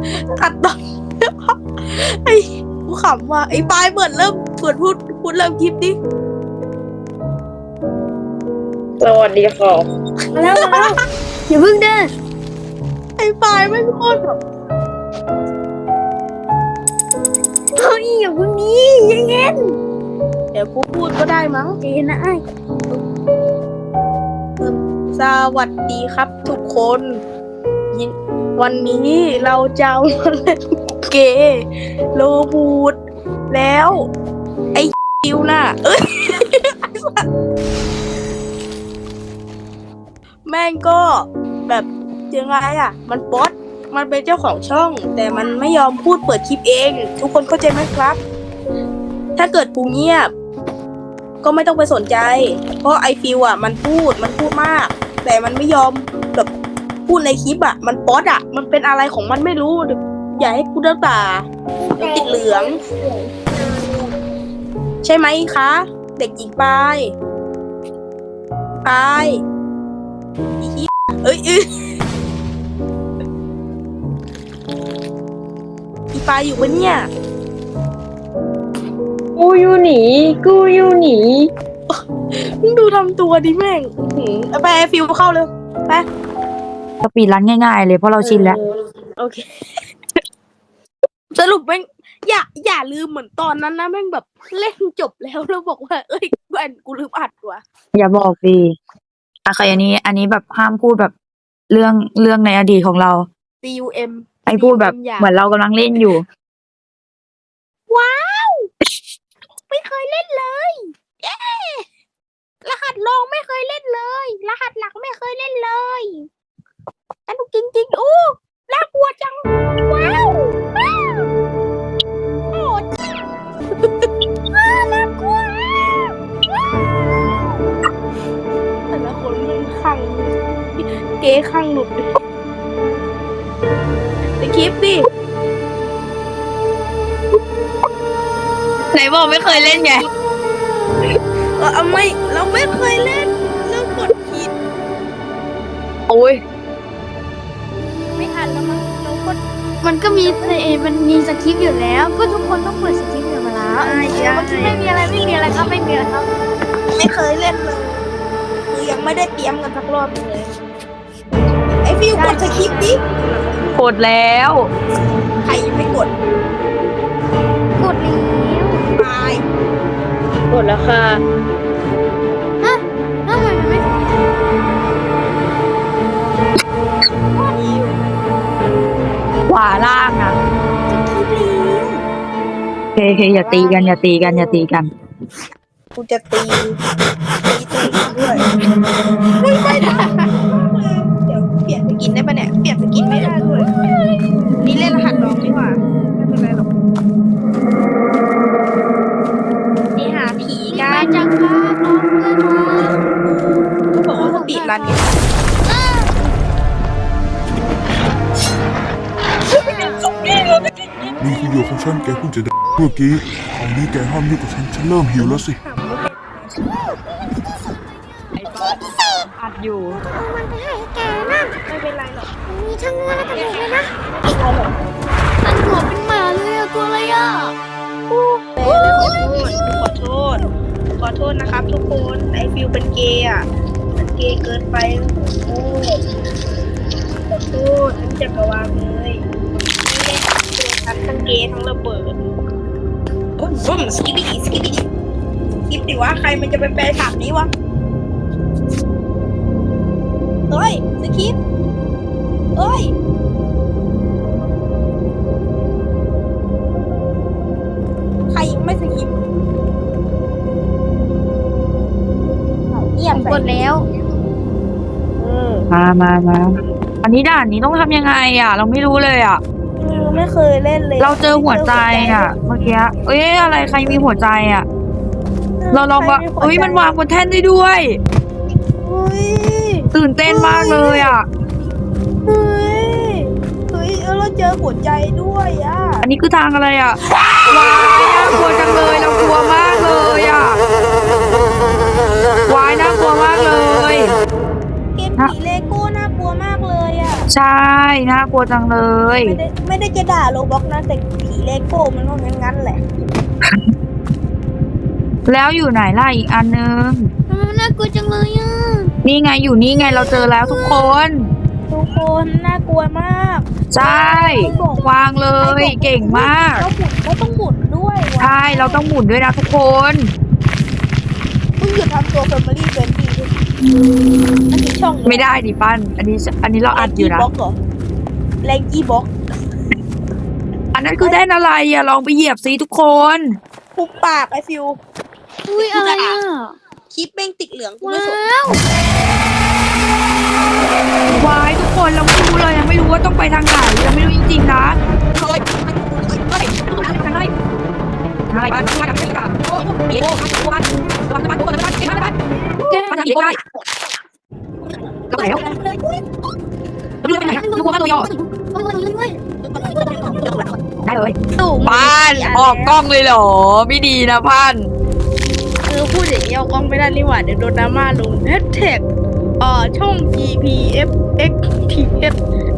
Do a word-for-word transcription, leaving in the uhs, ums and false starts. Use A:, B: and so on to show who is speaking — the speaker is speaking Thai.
A: ตัดต่อไอ้กูขำว่ะไอ้ปลายเปิดเริ่มเปิดพูดพูดเริ่มคลิปดิ
B: สวัสดีค่ะ
C: มาแล้วมาแล้วอย่าเพิ่งเดิน
A: ไอ้ปลายไม่โคตรแบบ
C: เฮ้ยอย่าเพิ่งนี้ยังเงี้ย
A: เดี๋ยวกูพูดก็ได้มั้ง
C: เจนนะไอ้
A: สวัสดีครับทุกคนยินวันนี้เราจะมาเล่นเกมโลบูดแล้ว ไอ้คิวน่ะเอ้ย แม่งก็แบบยังไงอ่ะ มันป๊อตมันเป็นเจ้าของช่อง แต่มันไม่ยอมพูดเปิดคลิปเอง ทุกคนเข้าใจไหมครับ ถ้าเกิดปูเงียบ ก็ไม่ต้องไปสนใจ เพราะไอฟิวอ่ะมันพูดมันพูดมาก แต่มันไม่ยอมแบบพูดในคลิปอ่ะ มันป๊อตอ่ะ มันเป็นอะไรของมันไม่รู้อย่าให้กูเดินป่าเดี๋ยวติดเหลือง ใช่ไหมคะ เด็กหญิงปายปายอีเหี้ยเอ้ยเอ้ยอีปายอยู่ปะเนี่ย
B: กูอยู่หนีกูอยู่หนี
A: มึงดูทำตัวดิแม่งอื้อหือเอาไปไอฟิวเข้าเลยไป
D: สปีดรันง่ายๆเลยเพราะเราชินแล้ว
A: โอเค สรุปแม่งอย่าอย่าลืมเหมือนตอนนั้นนะแม่งแบบเล่นจบแล้วแล้วบอกว่า เอ้ยแอนกูลืมอัดว่ะ
D: อย่าบอกดีอะใครอันนี้ อันนี้แบบห้ามพูดแบบเรื่องเรื่องในอดีตของเรา
A: ซี ยู เอ็ม
D: ไอ้พูดแบบ
A: อย่า
D: เหมือนเรากำลังเล่นอยู่
A: ว้าว ไม่เคยเล่นเลยเย้รหัสรองไม่เคยเล่นเลย รหัสหลักไม่เคยเล่นเลยสนุกจริงๆอู้น่ากลัวจัง ว้าวว้าวโอ้ว้าวน่ากลัวว้าวแต่ละคนมันขังเก๋ขังหลุดไปคลิปดิ
D: ไหนบอกไม่เคยเล่นไง
A: เออเอาไม่เราไม่เคยเล่นเรากดผิด
D: โอ้ย
A: ไม่ทันแล้วมั้งเรากด
C: มันก็มีเอมันมีสคริปต์อยู่แล้ว ก็ทุกคนต้องเปิดสคริปต์อยู่มาแล้ว
A: ใช่ใช่
C: เมื่อกี้ไม่มีอะไรไม่มีอะไรครับไม่มีอะไรครับ
A: ไม่เคยเล่นเลยคือยังไม่ได้เตรียมกันสักรอบเลยไอฟิวกดสคริปต์ดิ
D: กดแล้ว
A: ใครยังไม่กด
C: กดแล้ว
A: ตาย
B: กดแล้วค่ะ
C: ฮะทำไมมันไม่
D: ขวาล่างนะ
A: สคริปต์ลิง
D: โอเคโอเคอย่าตีกันอย่าตีกันอย่าตีกัน
A: กูจะตีตีตัวเองด้วยไม่ไม่ได้เดี๋ยวเปลี่ยนสกินได้ปะเนี่ยเปลี่ยนสกินไม่ได้ด้วยนี่เล่นรหัสรองดีกว่าไม่เป็นไรหรอกนี่หาผี
C: มี
A: กั
C: แฟ
A: น
C: นจังครับน้องเพื่อนมา
A: เขาบอกว่าสปีดรันไง
E: นี่คือโยของฉันแกเพิ่งจะได้เมื่อกี้คราวนี้แกห้ามยุ่งกับฉันฉันเริ่มหิวแล้วสิ
D: อัดอยู่
C: มันไปให้แกนะ
A: ไม่เป็นไรหรอก
C: มีทั้งงัวและกระเด็นเลยนะ
A: ไม่เป็นไรหรอก
C: นั่นหัวเป็นหมาเลยอะตัวอะไรอะ
A: ขอโทษ ขอโทษนะครับทุกคน ไอฟิวเป็นเกย์อ่ะเป็นเกย์เกินไปขอโทษขอโทษทั้งจักรวาลเลยไม่ได้ทั้งเกย์ทั้งเกย์ทั้งระเบิดบุ้มบุ้มสกิปปี้สกิปปี้สกิปดิวะใครมันจะไปแปลถามนี้วะเฮ้ยสกิปเฮ้ยใครยังไม่สกิปเงียบ
C: ผมกดแล้ว
A: เออ
D: มามามาอันนี้ด่านนี้ต้องทำยังไงอ่ะ เราไม่รู้เลยอ่ะ
A: เออไม่เคยเล่นเลย
D: เราเจอหัวใจอ่ะ เมื่อกี้เอ้ยอะไรใครมีหัวใจอ่ะ เราลองว่าเอ้ยมันวางบนแท่นได้ด้วย
A: เฮ้ย
D: ตื่นเต้นมากเลยอ่ะ
A: เฮ้ยเฮ้ยเออเราเจอหัวใจด้วยอ่ะ
D: อันนี้คือทางอะไรอ่ะวายน่ากลัวจังเลยเรากลัวมากเลยอ่ะวายน่ากลัวมากเลย
A: เกมผีเลโก้น่ากลัวมากเลยอ่ะ
D: ใช่น่ากลัวจังเลย
A: ไม่ได้ไม่ได้จะด่าโรบ็อกนะแต่ผีเลโก้มันก็งั้นๆแหละ
D: แล้วอยู่ไหนล่ะอีกอันนึง
C: ทำไมมันน่ากลัวจังเลยอ่ะ
D: นี่ไงอยู่นี่ไงเราเจอแล้วทุกคน
A: ทุกคนน่ากลัวมาก
D: ใช่วางเลยเก่งมาก
A: เราหมุนเราต้องหมุนด้วย
D: ใช่เราต้องหมุนด้วยนะทุกคน
A: มึงหยุดทำตัว Family Friendly ด้วยอันนี้ช่อง
D: ไม่ได้ดิปั้นอันนี้อันนี้เราอัดอยู่นะ
A: บล็อกเหรอแรงกี้บล็อก
D: อันนั้นคือแท่นอะไรอ่ะลองไปเหยียบซิทุกคน
A: หุบปากไอฟิว
C: อุ้ยอะไรอ่ะ
A: คลิปแม่งติดเหลืองกูไม่สน
C: ว้าว
D: วายทุกคนเราไม่รู้เลยยังไม่รู้ว่าต้องไปทางไหนเราไม่รู้จริงๆนะ
A: เฮ้ยเฮ้ย
D: ทางไหนทางไหนบ้านบ้านทางไหนกันโอ้โหบ้านบ้านบ้านบ้านบ้านบ้านบ้านบ้านบ้านบ้านทางไหนก็ได้ก็ไหนแล้วเรื่องไปไหนทุกคนบ้านตัวยอได้เลย
A: ตู่
D: บ้านออกกล้องเลยเหรอไม่ดีนะบ้าน
A: คือพูดอย่างนี้เอากล้องไม่ได้นี่หว่าเดี๋ยวโดนดราม่าลงแฮชแท็กเอ่อช่อง จี พี เอฟ เอ็กซ์ ที เอส